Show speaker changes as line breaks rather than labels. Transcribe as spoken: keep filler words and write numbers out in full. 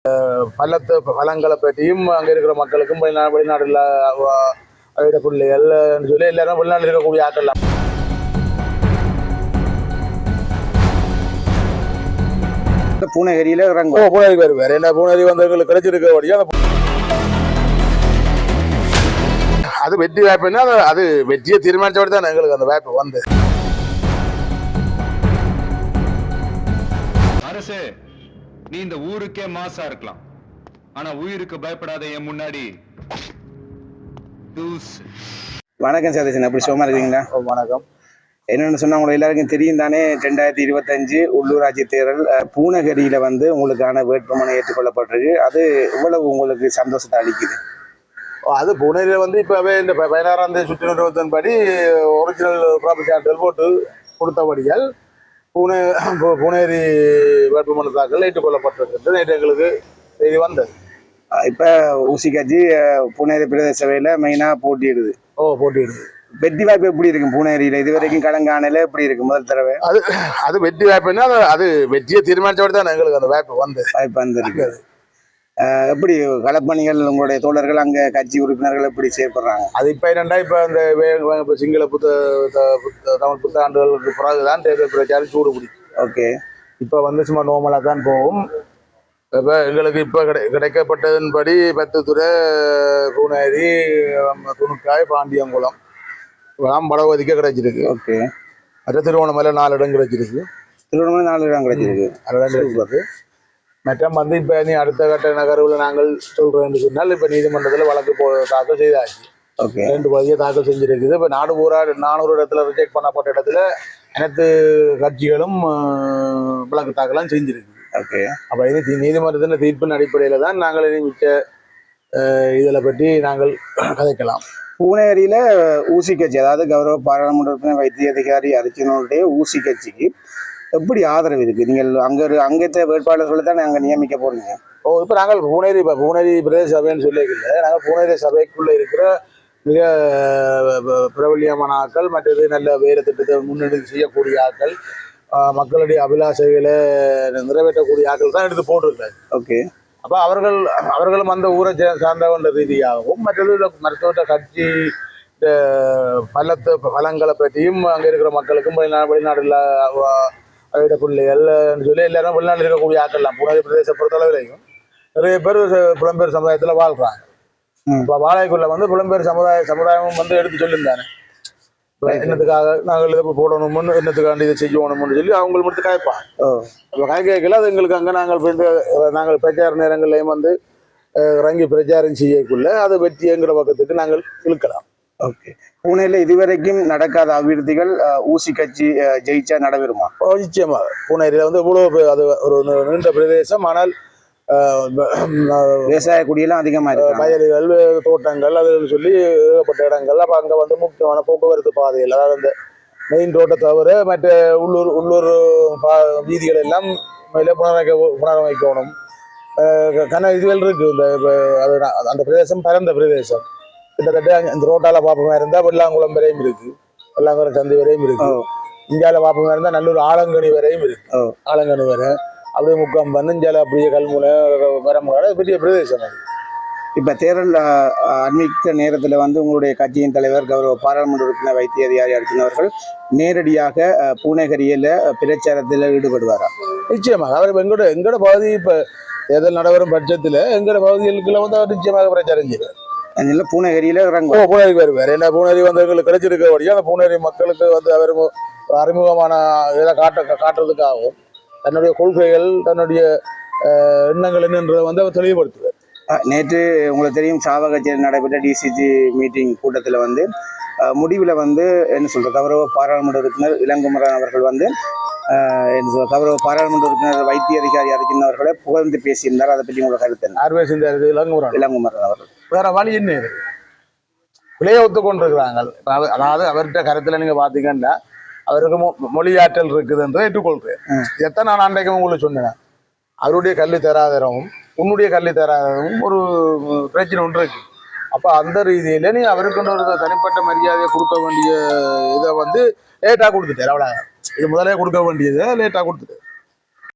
பள்ளத்து பழங்களை பற்றியும் அங்கே இருக்கிற மக்களுக்கும் வெளிநா வெளிநாடுல அவருடைய பிள்ளைகள் சொல்லி எல்லாரும் வெளிநாட்டில் இருக்கக்கூடிய ஆட்கள்
பூனகிரியில இறங்கும்.
பூனகிரி வருவார். என்ன பூனகிரி வந்தவர்களுக்கு கிடைச்சிருக்கபடியா அது வெற்றி வாய்ப்புன்னா அது வெற்றியை தீர்மானிச்சபடி தான் எங்களுக்கு அந்த வாய்ப்பு வந்து.
அரசே, நீ இந்த ஊருக்கே மாசா இருக்கலாம், ஆனா உயிருக்கு பயப்படாத என் முன்னாடி.
வணக்கம் சதீஷன், அப்படி சும்மா இருக்கீங்களா?
வணக்கம்.
என்னென்னு சொன்னா உங்களுக்கு எல்லாருக்கும் தெரியும் தானே, ரெண்டாயிரத்தி இருபத்தஞ்சு உள்ளூராட்சி தேர்தல் பூனகிரியில வந்து உங்களுக்கான வேட்புமனு ஏற்றுக்கொள்ளப்பட்டிருக்கு. அது இவ்வளவு உங்களுக்கு சந்தோஷத்தை அளிக்குது?
அது பூனேரியில் வந்து இப்போவே இந்த பதினாறாம் தேதி சுற்று நிறுவனத்தின்படி ஒரிஜினல் ப்ராப்பர்ட்டி சான்றிதழ் போட்டு கொடுத்தபடியால் பூனே பூனேரி வேட்புமனு தாக்கல் ஏற்றுக்கொள்ளப்பட்டிருக்கிறது நேற்று எங்களுக்கு செய்தி வந்தது.
இப்போ ஊசி கட்சி பூனேரி பிரதேச சபையில் மெயினாக போட்டியிடுது.
ஓ போட்டியிடுது.
வெற்றி வாய்ப்பு எப்படி இருக்கும் பூனேரியில்? இது வரைக்கும் கலங்கானல எப்படி இருக்கு முதல் தடவை?
அது அது வெற்றி வாய்ப்புன்னா அது வெற்றியை தீர்மானிச்சபடி தான் எங்களுக்கு அந்த வாய்ப்பு வந்து
வாய்ப்பு வந்திருக்கு. எப்படி களப்பணிகள் உங்களுடைய தோழர்கள் அங்கே கட்சி உறுப்பினர்கள் எப்படி செயல்படுறாங்க?
அது இப்போ என்னென்னா இப்போ இந்த சிங்கள புத்த தமிழ் புத்தாண்டுகளுக்கு பிறகுதான் தேர்தல் பிரச்சாரம் சூடு பிடிக்கும்.
ஓகே.
இப்போ வந்து சும்மா நோமலாக தான் போகும். இப்போ எங்களுக்கு இப்போ கிடை கிடைக்கப்பட்டதன்படி பத்துத்துறை, பூனேரி, துணுக்காய், பாண்டியங்குளம் இதெல்லாம் வடவதிக்க கிடைச்சிருக்கு.
ஓகே.
மற்ற திருவண்ணாமலை நாலு இடம் கிடைச்சிருக்கு.
திருவண்ணாமலை நாலு இடம் கிடைச்சிருக்கு.
நாலு இடம் கிடைச்சிருக்கு. மற்றும் வந்து இப்போ நீ அடுத்த கட்ட நகர்வில் நாங்கள் சொல்கிறேன்னு சொன்னால் இப்போ நீதிமன்றத்தில் வழக்கு போ தாக்கல் செய்தாச்சு.
ஓகே.
ரெண்டு பகுதியை தாக்கல் செஞ்சுருக்குது. இப்போ நாடு பூரா நானூறு இடத்துல ரிஜெக்ட் பண்ணப்பட்ட இடத்துல அனைத்து கட்சிகளும் வழக்கு தாக்கலாம் செஞ்சுருக்குது.
ஓகே.
அப்போ இது நீதிமன்றத்தின் தீர்ப்பின் அடிப்படையில் தான் நாங்கள் இனி மிச்ச இதில் பற்றி நாங்கள் கதைக்கலாம்.
பூனேரியில் ஊசி கட்சி, அதாவது கௌரவ பாராளுமன்ற வைத்திய அதிகாரி அர்ஜுனனுடைய ஊசி கட்சிக்கு எப்படி ஆதரவு இருக்கு? நீங்கள் அங்கே அங்கேத்த வேட்பாளர்களை தான் நாங்கள் நியமிக்க போறீங்க.
ஓ இப்போ நாங்கள் பூனேரி இப்போ பூனேரி பிரதேச சபைன்னு சொல்லிக்கல, நாங்கள் பூனேரி சபைக்குள்ளே இருக்கிற மிக பிரபல்யமான ஆக்கள், மற்றது நல்ல வேறு திட்டத்தை முன்னெடுத்து செய்யக்கூடிய ஆக்கள், மக்களுடைய அபிலாஷைகளை நிறைவேற்றக்கூடிய ஆக்கள் தான் எடுத்து போட்டிருக்காரு.
ஓகே.
அப்போ அவர்கள் அவர்களும் அந்த ஊரை சார்ந்தவன்ற ரீதியாகவும் மற்றது மருத்துவ கட்சி பள்ளத்து பழங்களை பற்றியும் அங்கே இருக்கிற மக்களுக்கும் வெளிநா வெளிநாடுல அவருடைய பிள்ளைகள் சொல்லி எல்லாரும் வெளிநாட்டில் இருக்கக்கூடிய ஆக்கள்லாம் பூனேரி பிரதேச பொறுத்தளவிலையும் நிறைய பேர் புலம்பெயர் சமுதாயத்தில் வாழ்கிறாங்க. இப்போ வாழைக்குள்ள வந்து புலம்பெயர் சமுதாய சமுதாயமும் வந்து எடுத்து சொல்லியிருந்தானே என்னத்துக்காக நாங்கள் இதை போடணும்னு, என்னத்துக்காண்டி இதை செய்யணும்னு சொல்லி அவங்களுக்கு மட்டும் காய்ப்பாங்க. அப்போ காய் கேட்கல அது எங்களுக்கு அங்கே நாங்கள் நாங்கள் பிரச்சார நேரங்கள்லையும் வந்து இறங்கி பிரச்சாரம் செய்யக்குள்ள அதை வெற்றிங்கிற பக்கத்துக்கு நாங்கள் இழுக்கலாம்.
ஓகே. பூனேல இதுவரைக்கும் நடக்காத அபிவிருத்திகள் ஊசி கட்சி ஜெயிச்சா நடைபெறுமா?
நிச்சயமா. பூனேரியில் வந்து இவ்வளோ அது ஒரு நீண்ட பிரதேசம், ஆனால்
விவசாய குடியெல்லாம் அதிகமாக இருக்கு.
வயல்கள், தோட்டங்கள், அதுன்னு சொல்லி ஏகப்பட்ட இடங்கள். அப்போ அங்கே வந்து முக்கியமான போக்குவரத்து பாதைகள், அதாவது அந்த மெயின் ரோட்டை தவிர மற்ற உள்ளூர் உள்ளூர் பா வீதிகள் எல்லாம் மேலே புனரமைக்க புனரமைக்கணும். கன இதுகள் இருக்குது. இந்த அது அந்த பிரதேசம் பரந்த பிரதேசம். கிட்டத்தட்ட இந்த ரோட்டால பாப்பமா இருந்தா வெள்ளாங்குளம் வரையும் இருக்கு, வெள்ளாங்குளம் சந்தை வரையும் இருக்கு. இந்தியாவில பாப்பமா இருந்தா நல்லூர் ஆலங்கனி வரையும் இருக்கு. ஆலங்கனி வரை அப்படியே முக்கம் வந்து இந்தியாவில அப்படியே கல்முனை வரமுறை பெரிய பிரதேசம் அது.
இப்ப தேர்தல் அண்மித்த நேரத்துல வந்து உங்களுடைய கட்சியின் தலைவர் கௌரவ பாராளுமன்ற உறுப்பினர் வைத்திய அதிகாரி அர்ஜுனவர்கள் நேரடியாக பூனகிரியில பிரச்சாரத்தில் ஈடுபடுவாரா?
நிச்சயமாக. அவர் எங்களோட எங்களோட பகுதி இப்ப தேர்தல் நடைபெறும் பட்சத்துல எங்களோட பகுதிகளுக்குள்ள வந்து அவர் நிச்சயமாக பிரச்சாரம் செய்வார்.
அதனால பூனகிரியில இறங்கும்.
ஓ பூனேரி வருவார். ஏன்னா பூனேரி வந்தவங்களுக்கு கிடைச்சிருக்கபடியா அந்த பூனேரி மக்களுக்கு வந்து அவர் அறிமுகமான இதை காட்ட காட்டுறதுக்காகவும் தன்னுடைய கொள்கைகள், தன்னுடைய எண்ணங்கள் என்னன்றதை வந்து அவர் தெளிவுபடுத்துவார்.
நேற்று உங்களுக்கு தெரியும் சாவகச்சேரியில் நடைபெற்ற டிசிஜி மீட்டிங் கூட்டத்தில் வந்து முடிவில் வந்து என்ன சொல்ற கௌரவ பாராளுமன்ற உறுப்பினர் இளங்குமரன் அவர்கள் வந்து கௌரவ பாராளுமன்ற உறுப்பினர் வைத்திய அதிகாரி அர்ஜுனன் அவர்களை புகழ்ந்து பேசியிருந்தார். அதை பற்றி உங்களுக்கு கருத்து என்ன?
ஆர்வே சிந்தார் இளங்குமரன்
இளங்குமரன் அவர்கள்
வேற வழி என்ன இருக்கு, விளைய ஒத்துக்கொண்டிருக்கிறாங்க. அதாவது அவர்கிட்ட கருத்துல நீங்க பாத்தீங்கன்னா அவருக்கு மொழியாற்றல் இருக்குதுன்றதை ஏற்றுக்கொள்றேன். எத்தனை நான் அன்றைக்கும் உங்களுக்கு சொன்னேன், அவருடைய கல்வி தராதரமும் உன்னுடைய கல்வி தராதரமும் ஒரு பிரச்சனை ஒன்று இருக்கு. அப்போ அந்த ரீதியில நீ அவருக்கு ஒரு தனிப்பட்ட மரியாதையை கொடுக்க வேண்டிய இதை வந்து லேட்டாக கொடுத்துட்டார். அவ்வளோ இது முதலே கொடுக்க வேண்டியதை லேட்டாக கொடுத்துட்டு